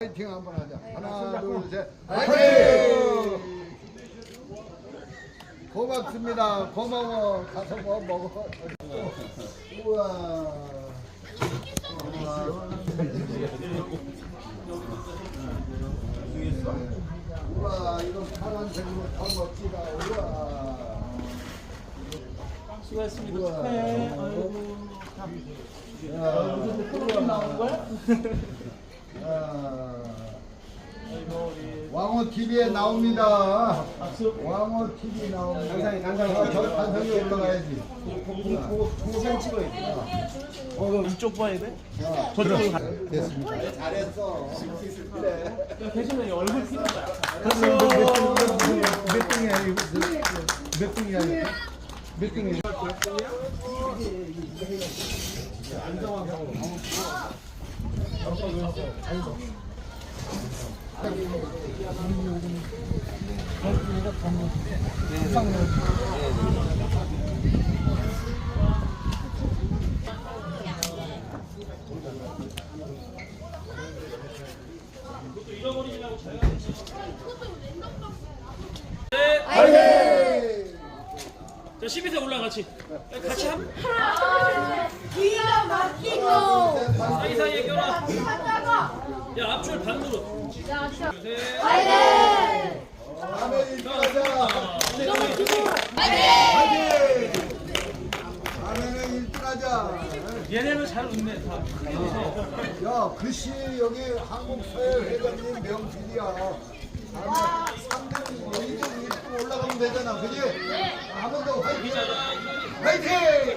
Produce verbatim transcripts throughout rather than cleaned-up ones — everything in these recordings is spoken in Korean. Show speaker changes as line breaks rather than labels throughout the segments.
파이팅 한번 하자. 하나, 둘, 셋. 파이팅! 고맙습니다. 고마워. 가서 뭐 먹어. 우와. 우와, 이거 파란색으로 더 멋지다. 우와.
수고했습니다. 축하해. 아이고.
야,
무슨 프로그램 나오는 거야?
야.
아이고, 우리
왕호 티비에 나옵니다.
박수.
왕호 티비 나옵니다. 단상이, 단상이. 저, 저 단상이 올라가야지.
동생 찍어야 돼. 어, 너 이쪽 봐야 돼?
자,
저쪽으로 가.
됐습니다. 잘했어. 그래.
대신에 얼굴 피는 거야.
몇 등이야, 이거? 몇 등이야, 이거? 몇 등이야?
자, 십이 세 올라 같이. 같이 한.
기가 막히고
사이사이에 껴라. 야, 앞줄 반으로.
파이팅!
다음에 일 등 하자.
파이팅!
다음에는 일 등 하자.
얘네는 잘 웃네, 다.
야, 글씨 여기 한국서열회장님 명필이야. 다음에 삼 등, 이 등, 일 등 올라가면 되잖아. 그지? 한 번 더 화이팅! 화이팅!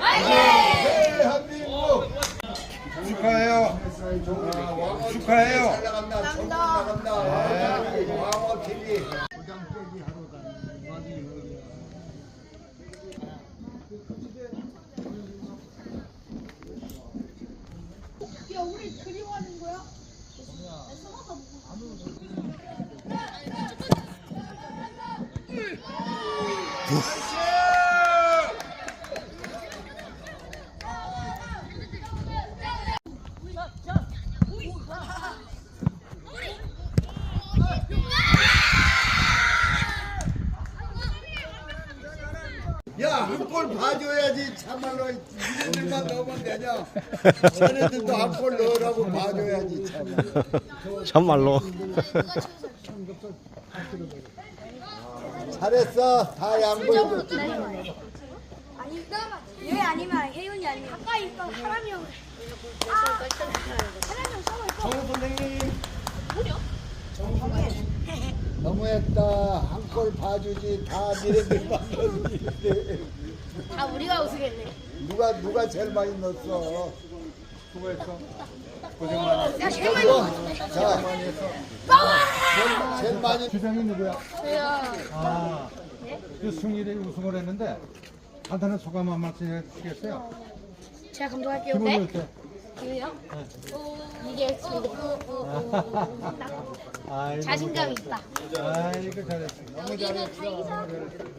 대한민국! 축하해요. 축하해요. 잘 나간다. 전국 나간다. 왕호 티비.
야, 우리 그리워하는 거야?
야, 한 골 봐줘야지. 참말로 이들만 넣으면 되냐? 쟤네들도 한 골 넣으라고 봐줘야지. 참말로.
참말로.
잘했어. 다 양보해줬지.
아니, 얘 아니면 혜윤이 아니면 가까이 있던 사람이 형. 아, 사람이 형 서고 있어.
정우 선생님.
너무했다. 한 골 봐주지. 다 니네들만 넣었는데.
다 우리가 우승했네.
누가 누가 제일 많이 넣었어? 수고했어. 고생 많았어.
야, 제일 많이 넣었어.
자, 제일, 제일 많이.
주장이 누구야?
저요.
아, 그 승리대 우승을 했는데 간단한 소감 한 말씀 해주시겠어요?
제가 감독할게요.
기분이
네?
어때?
기분이요? 이게
아이고,
자신감이 있다.
아이고 잘했어. 너무
여기는
잘했어.
다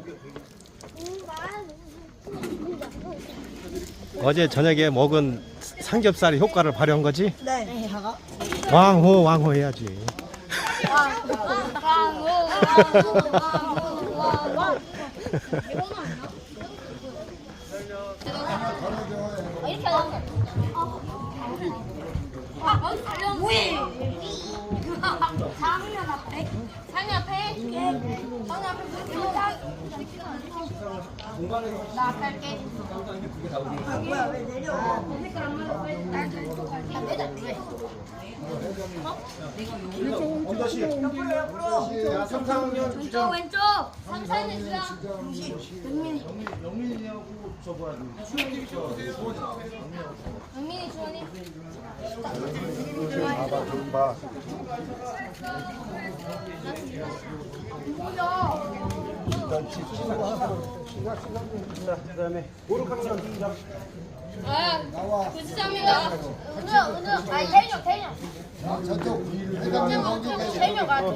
어제 저녁에 먹은 삼겹살이 효과를 발휘한 거지?
네.
왕호 왕호 해야지.
왕, 왕, 왕, 왕, 왕. 이렇게 하자. 아, 여기 달려. 상면 앞에. 상면 앞에. 상면 앞에 물 나 앞에 할게. 아, 뭐야, 왜 내려? 색깔 안 맞아. 날 왼쪽 갈게. 아, 내자. 왜?
야, 삼, 사 학년
왼쪽, 왼쪽. 삼, 사 년 주장. 영민이.
영민이하고 저 뭐야?
영민이, 주원이.
봐봐, 좀 봐.
아, 구지장입니다. 은우, 은우. 아, 태인형, 태인형.
아, 저쪽 회장님 거기
태인형 가.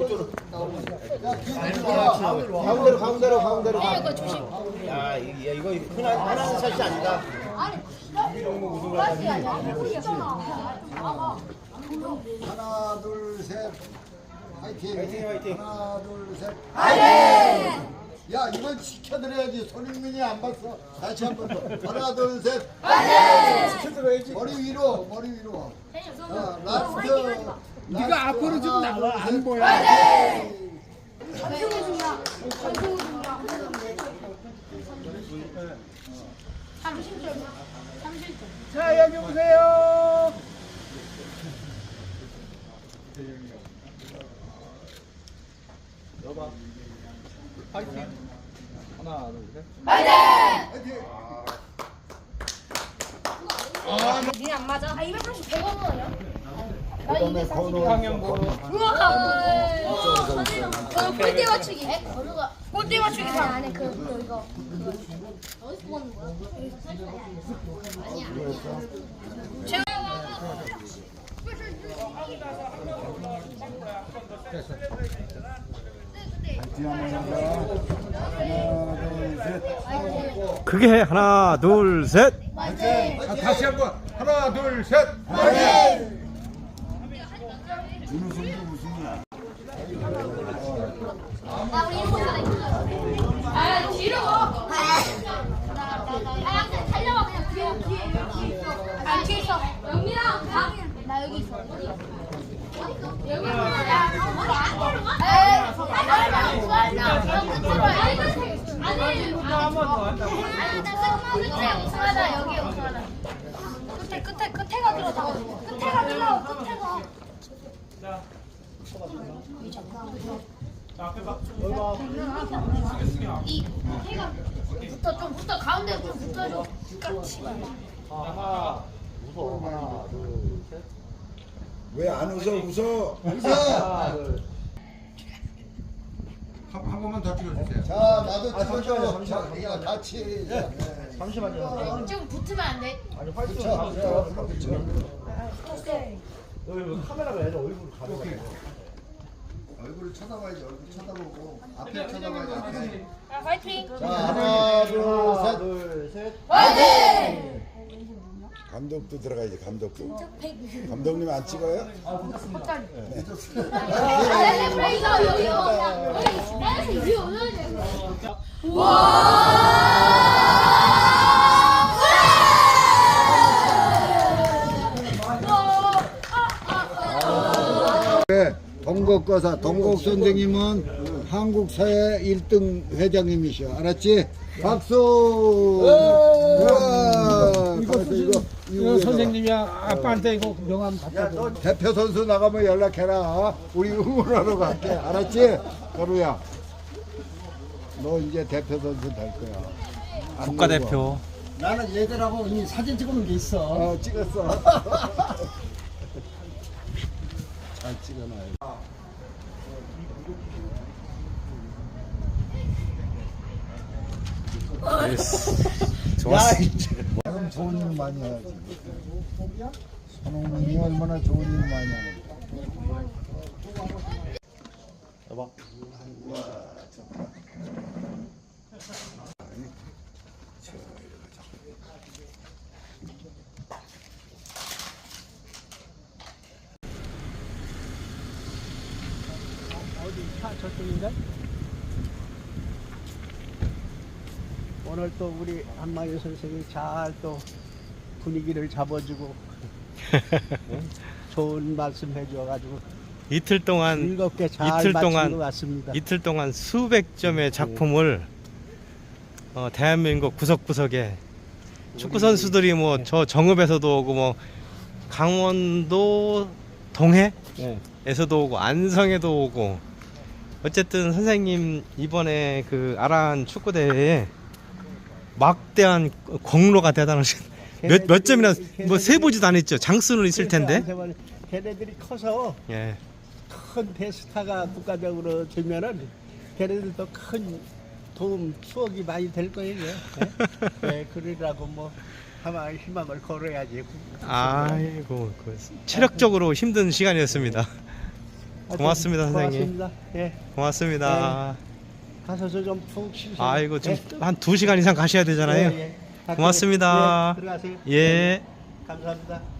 가운데로 가운데로 가운데로
태인형 거 조심.
야, 이- 야, 이거 흔한, 흔한 샷이 아니다.
아니, 플라스틱 아니야? 우리 있잖아. 나가.
하나 둘 셋. 화이팅.
화이팅, 화이팅.
하나, 둘, 셋. 화이팅! 야, 이건 지켜드려야지. 손흥민이 안 봤어. 다시 한 번 더. 하나, 둘, 셋. 화이팅! 지켜드려야지. 머리 위로, 머리 위로. 자, 라스트. 네가 앞으로 좀 나와. 안 보여. 화이팅!
전승우 중이야. 전승우 중이야. 삼십 점. 삼십 점.
자, 여기 오세요. 여봐. 파이팅. 하나, 둘, 셋.
화이팅!
니네 안 맞아? 아, 이백팔십 백 원 원이야? 나
그다음에 번호.
우와! 그 꼴대 맞추기. 번호가 꼴대 맞추기 잘 안 해. 그, 그 이거. 어디서 보는 거야? 아니야. 제가
화이팅 한번 하자. 하나, 둘, 셋.
크게 해. 하나, 둘, 셋.
아, 다시 한번 하나 둘 셋.
준우승도 우승이야.
아, 우리 일본 사람 있어. 아, 뒤로. 아, 그냥 달려와 그냥 뒤에 뒤에 뒤에 있어. 아, 뒤에 있어. 영민아, 가. 나 여기 있어. 어디? 영민아, 야, 너무 안 걸어가? 에이, 빨리 빨리. 아니,
한번 더 한다고.
아니, 나 끝에 우승하다 여기 우승하다. 끝에 끝에 끝에 가들어 다. 끝에 가들어 끝에 가. 이 해가 붙어 좀 붙어 가운데 좀 붙어줘.
하나, 무서워. 하나, 둘, 셋.
왜 안 웃어? 웃어. 웃어.
하나, 둘.
한, 한 번만 더 찍어주세요.
자, 나도 찍어줘. 자, 야, 같이. 자, 네.
잠시만요.
좀 붙으면 안 돼?
아니, 화이팅.
그쵸, 그쵸, 그쵸.
여기 뭐 카메라가 얘는 얼굴 가려.
얼굴을 쳐다봐야지. 얼굴 쳐다보고 앞에 쳐다봐야지. 앞에.
아, 파이팅.
자, 하나, 둘,
하나,
셋.
둘, 셋.
파이팅.
감독도 들어가야지 감독도. 감독님 안 찍어요?
갑자기. 아, 브레이저 여기 오냐? 여기 위에 올라야 돼.
네, 동국거사 동국 선생님은 한국 사회 일 등 회장님이셔. 알았지? 박수. 우와. 이거 이거 이거
선생님이야. 아빠한테 이거 명함 갖다 줘.
대표 선수 나가면 연락해라. 우리 응원하러 갈게. 알았지? 거루야. 너 이제 대표 선수 될 거야. 안
국가대표.
나는 얘들하고 이 사진 찍어놓은 게 있어.
어, 찍었어. 잘 찍어놔요.
좋았어.
그럼 좋은 일 많이 해야지. 손흥민이 얼마나 좋은 일 많이 하는데.
여봐. 어디 차 저쪽인가? 오늘 또 우리 한마유 선생이 잘 또 분위기를 잡아주고 네? 좋은 말씀 해줘가지고
이틀 동안
즐겁게 잘
이틀
마친
동안
것 같습니다.
이틀 동안 수백 점의 작품을 어, 대한민국 구석구석에 축구 선수들이 뭐 저 정읍에서도 오고 뭐 강원도 동해에서도
네.
오고 안성에도 오고 어쨌든 선생님 이번에 그 아란 축구 대회에 막대한 공로가 대단하신 몇, 몇 점이나 뭐 세보지도 않았죠. 장수는 있을 텐데.
걔네들이 커서
예.
큰 대스타가 국가적으로 되면은 걔네들도 큰 도움 추억이 많이 될 거예요. 네? 네, 그러라고 뭐 하면 희망을 걸어야지.
아이고 그 체력적으로 힘든 시간이었습니다. 고맙습니다, 선생님.
고맙습니다. 예,
고맙습니다.
가서 좀 푹 쉬세요.
아이고 좀
예.
한 두 시간 이상 가셔야 되잖아요.
예, 예.
고맙습니다.
예, 들어가세요.
예.
감사합니다.